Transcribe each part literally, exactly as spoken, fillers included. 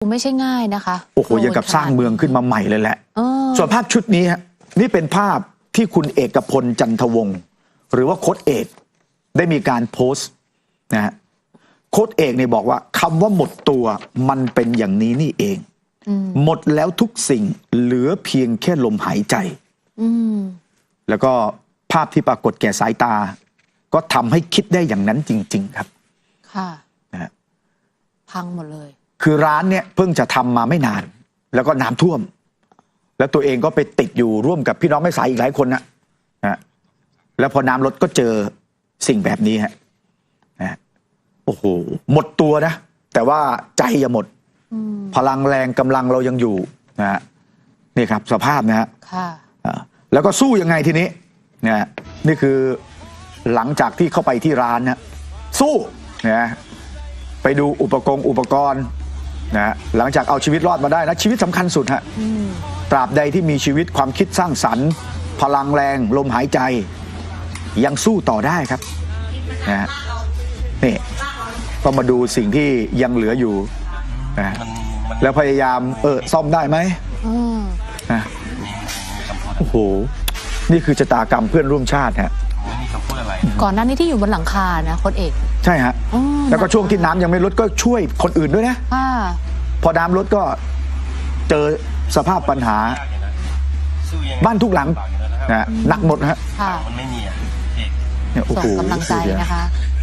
ไม่ใช่ง่ายนะคะโอ้โหอย่างกับสร้างเมืองขึ้นมาใหม่เลยแหละส่วนภาพชุดนี้ฮะนี่เป็นภาพที่คุณเอกพลจันทวงศ์หรือว่าโค้ชเอกได้มีการโพสต์นะฮะโค้ชเอกเนี่ยบอกว่าคำว่าหมดตัวมันเป็นอย่างนี้นี่เองหมดแล้วทุกสิ่งเหลือเพียงแค่ลมหายใจแล้วก็ภาพที่ปรากฏแก่สายตาก็ทำให้คิดได้อย่างนั้นจริงๆครับค่ะนะฮะพังหมดเลยคือร้านเนี่ยเพิ่งจะทำมาไม่นานแล้วก็น้ำท่วมแล้วตัวเองก็ไปติดอยู่ร่วมกับพี่น้องแม่สายอีกหลายคนนะนะแล้วพอน้ำลดก็เจอสิ่งแบบนี้ฮะนะโอ้โหหมดตัวนะแต่ว่าใจอย่าหมดพลังแรงกำลังเรายังอยู่นะฮะนี่ครับสภาพนะฮะแล้วก็สู้ยังไงทีนี้เนี่ยนี่คือหลังจากที่เข้าไปที่ร้านนะสู้นะไปดูอุปกรณ์อุปกรณ์นะหลังจากเอาชีวิตรอดมาได้นะชีวิตสำคัญสุดฮะตราบใดที่มีชีวิตความคิดสร้างสรรค์พลังแรงลมหายใจยังสู้ต่อได้ครับนะนี่ก็มาดูสิ่งที่ยังเหลืออยู่นะแล้วพยายามเออซ่อมได้ไหมนะโอ้โหนี่คือชะตากรรมเพื่อนร่วมชาติฮะก่อนหน้านี้ที่อยู่บนหลังคานะโค้ชเอกใช่ฮะแล้วก็ช่วงที่น้ำยังไม่ลดก็ช่วยคนอื่นด้วยนะพอน้ำลดก็เจอสภาพปัญหาบ้านทุกหลังนะหนักหมดฮะมันไม่มีเนี่ยโอ้โหกำลังใจนะคะ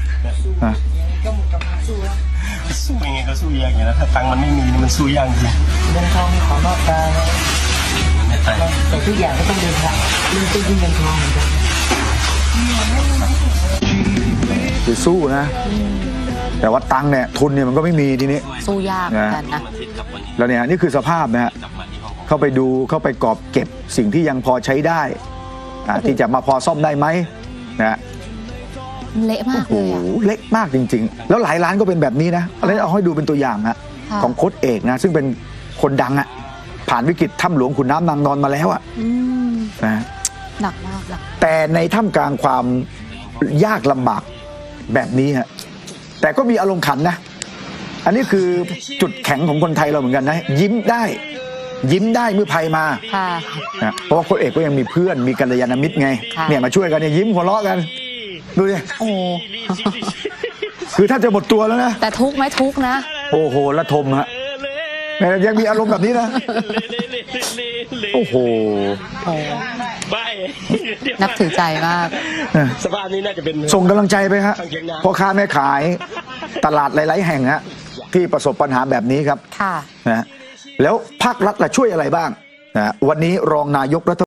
สู้ยังไงก็สู้ยากอย่างนั้นถ้าตังค์มันไม่มีมันสู้ยากจริงเงินทองขอนอกกายแต่ทุกอย่างก็ต้องเดินทางเรื่องต้นที่เงินทองเหมือนกันคือสู้นะแต่ว่าตังค์เนี่ยทุนเนี่ยมันก็ไม่มีทีนี้สู้ยากเหมือนกันนะแล้วเนี่ยนี่คือสภาพนะฮะเข้าไปดูเข้าไปกอบเก็บสิ่งที่ยังพอใช้ได้ที่จะมาพอซ่อมได้ไหมนะเละมากเลยอ่ะเละมากจริงๆแล้วหลายร้านก็เป็นแบบนี้นะอันนี้เอาให้ดูเป็นตัวอย่างนะของโค้ชเอกนะซึ่งเป็นคนดังอ่ะผ่านวิกฤตถ้ำหลวงขุนน้ำนางนอนมาแล้วอ่ะนะหนักมากแต่ในท่ามกลางความยากลำบากแบบนี้ฮะแต่ก็มีอารมณ์ขันนะอันนี้คือจุดแข็งของคนไทยเราเหมือนกันนะยิ้มได้ยิ้มได้เมื่อภัยมานะเพราะว่าโค้ชเอกก็ยังมีเพื่อนมีกัลยาณมิตรไงเนี่ยมาช่วยกันเนี่ยยิ้มหัวเราะกันดูดิโอ้คือถ้าจะหมดตัวแล้วนะแต่ทุกไหมทุกนะโอ้โหละทมฮะยังมีอารมณ์แบบนี้นะโอ้โหนับถือใจมากสภาพนี้น่าจะเป็นส่งกำลังใจไปฮะพ่อค้าแม่ขายตลาดหลายๆแห่งฮะที่ประสบปัญหาแบบนี้ครับค่ะนะแล้วภาครัฐล่ะช่วยอะไรบ้างนะวันนี้รองนายกรัฐ